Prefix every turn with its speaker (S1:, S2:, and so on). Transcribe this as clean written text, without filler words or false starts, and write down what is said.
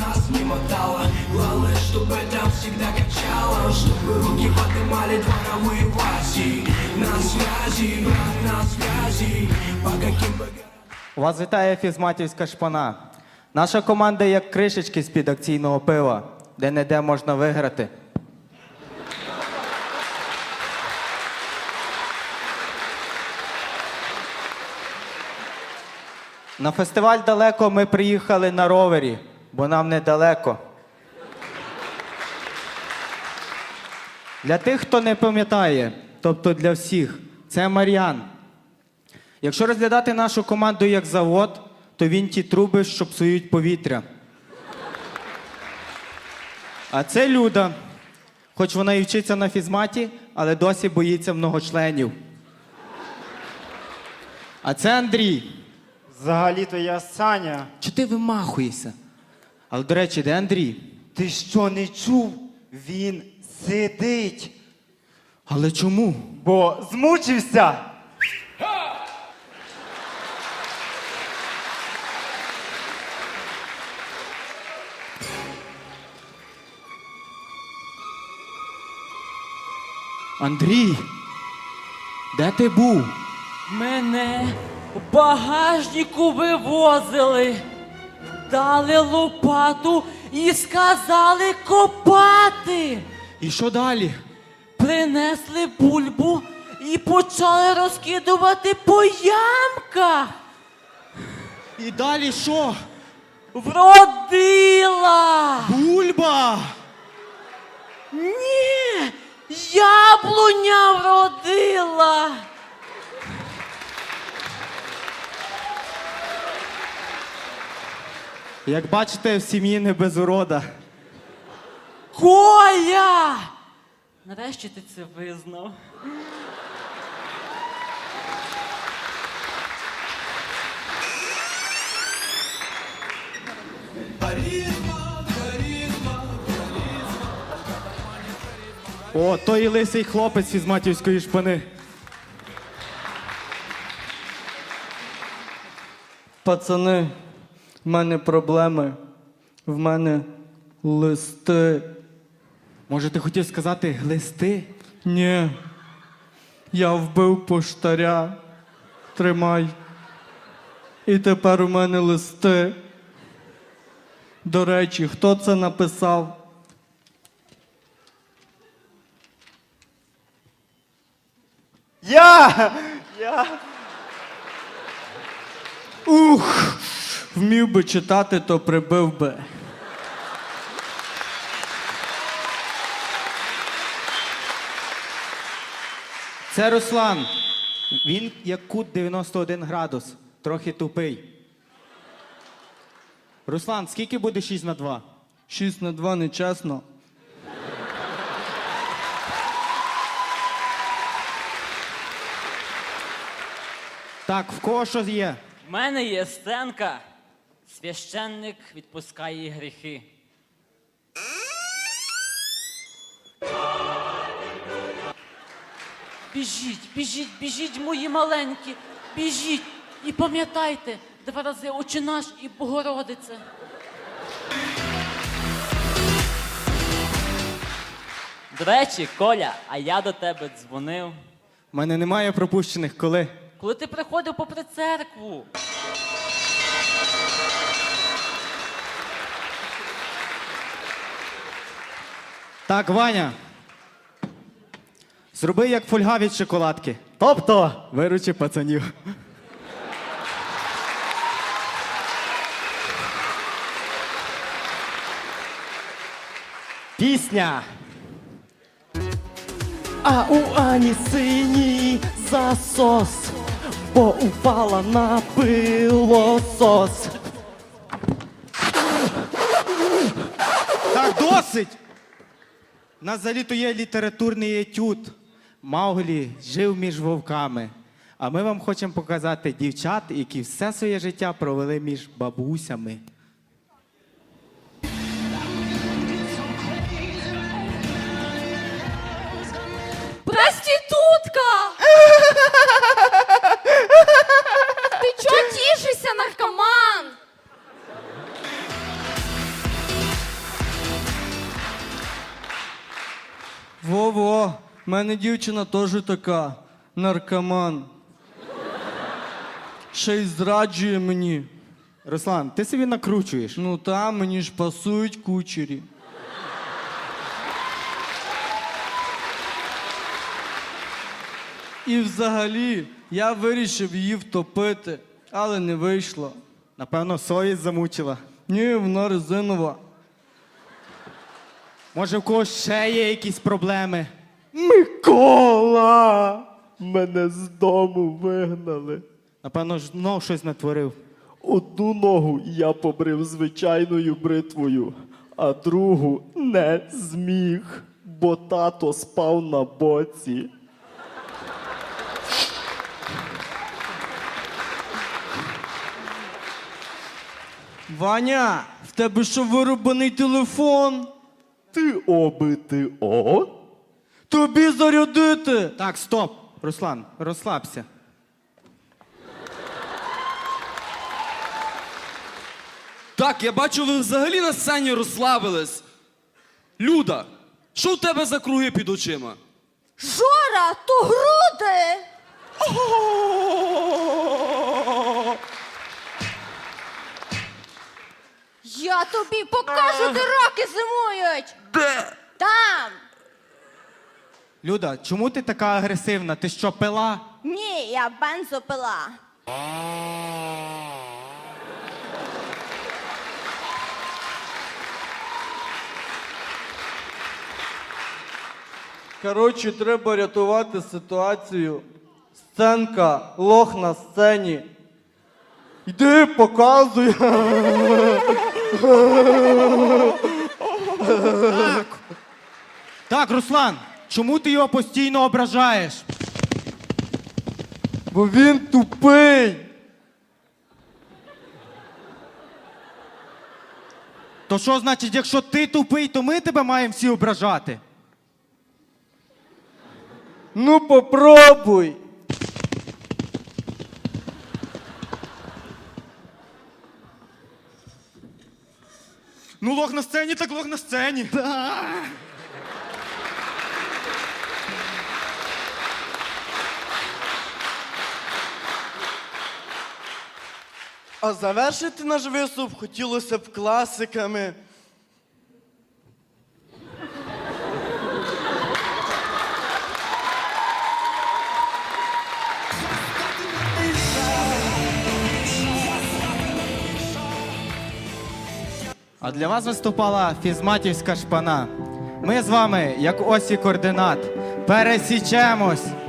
S1: нас не мотало. Главное, чтобы там всегда качало, чтобы руки поднимали дворовые власти. На связи, брат, на связи. По каким бы...
S2: Вас вітає фізматівська шпана. Наша команда як кришечки з-під акційного пива, де-не-де можна виграти. На фестиваль далеко ми приїхали на ровері, бо нам недалеко. Для тих, хто не пам'ятає, тобто для всіх, це Мар'ян. Якщо розглядати нашу команду як завод, то він ті труби, що псують повітря. А це Люда. Хоч вона і вчиться на фізматі, але досі боїться многочленів. А це Андрій.
S3: Взагалі-то я Саня.
S2: Чи ти вимахуєшся? Але, до речі, де Андрій?
S3: Ти що, не чув? Він сидить.
S2: Але чому?
S3: Бо змучився.
S2: Андрій, де ти був?
S4: Мене в багажнику вивозили, дали лопату і сказали копати.
S2: І що далі?
S4: Принесли бульбу і почали розкидувати по ямках.
S2: І далі що?
S4: Вродила!
S2: Бульба!
S4: Ні! Яблуня вродила!
S2: Як бачите, в сім'ї не без урода.
S4: Коля! Нарешті ти це визнав.
S2: О, той лисий хлопець із матівської шпани.
S5: Пацани, в мене проблеми. В мене листи.
S2: Може, ти хотів сказати глисти?
S5: Ні. Я вбив поштаря. Тримай. І тепер у мене листи. До речі, хто це написав?
S3: Я!
S5: Ух! Вмів би читати, то прибив би.
S2: Це Руслан. Він як кут 91 градус. Трохи тупий. Руслан, скільки буде 6 на 2?
S5: 6 на 2 нечесно.
S2: Так, в кого що є?
S4: В мене є сценка. Священник відпускає гріхи. Біжіть, біжіть, біжіть, мої маленькі, біжіть. І пам'ятайте, 2 рази Отче наш і Богородице. До речі, Коля, а я до тебе дзвонив.
S2: У мене немає пропущених, коли?
S4: Коли ти приходив попри церкву.
S2: Так, Ваня. Зроби як фольга від шоколадки. Тобто, виручи пацанів. Пісня.
S6: А у Ані синій засос, бо упала на пилосос.
S2: Так, досить! У нас взагалі-то є літературний етюд. Мауглі жив між вовками. А ми вам хочемо показати дівчат, які все своє життя провели між бабусями.
S7: Проститутка! Ты чё тишишься, наркоман?
S5: У мене дівчина теж така, наркоман. Ще й зраджує мені.
S2: Руслан, ти собі накручуєш.
S5: Ну та, мені ж пасують кучері. І взагалі, я вирішив її втопити, але не вийшло.
S2: Напевно, совість замучила.
S5: Ні, вона резинова.
S2: Може, в когось ще є якісь проблеми?
S6: Микола! Мене з дому вигнали.
S2: Напевно, знов щось натворив.
S6: Одну ногу я побрив звичайною бритвою, а другу не зміг, бо тато спав на боці.
S5: Ваня, в тебе що вирубаний телефон?
S6: Ти о?
S5: Тобі зарядити!
S2: Так, стоп. Руслан, розслабся.
S7: Так, я бачу, ви взагалі на сцені розслабились. Люда, що у тебе за круги під очима?
S8: Жора, то груди! Я тобі покажу, де раки зимують!
S7: Де?
S8: Там!
S2: Люда, чому ти така агресивна? Ти що, пила?
S8: Ні, я бензопила.
S5: Коротше, треба рятувати ситуацію. Сценка, лох на сцені. Йди, показуй.
S2: Так, Руслан, чому ти його постійно ображаєш?
S5: Бо він тупий.
S2: То що значить, якщо ти тупий, то ми тебе маємо всі ображати?
S5: Ну попробуй.
S2: Ну, лох на сцені, так лох на сцені.
S6: А завершити наш виступ хотілося б класиками.
S2: А для вас виступала фізматівська шпана. Ми з вами, як осі координат, пересічемось.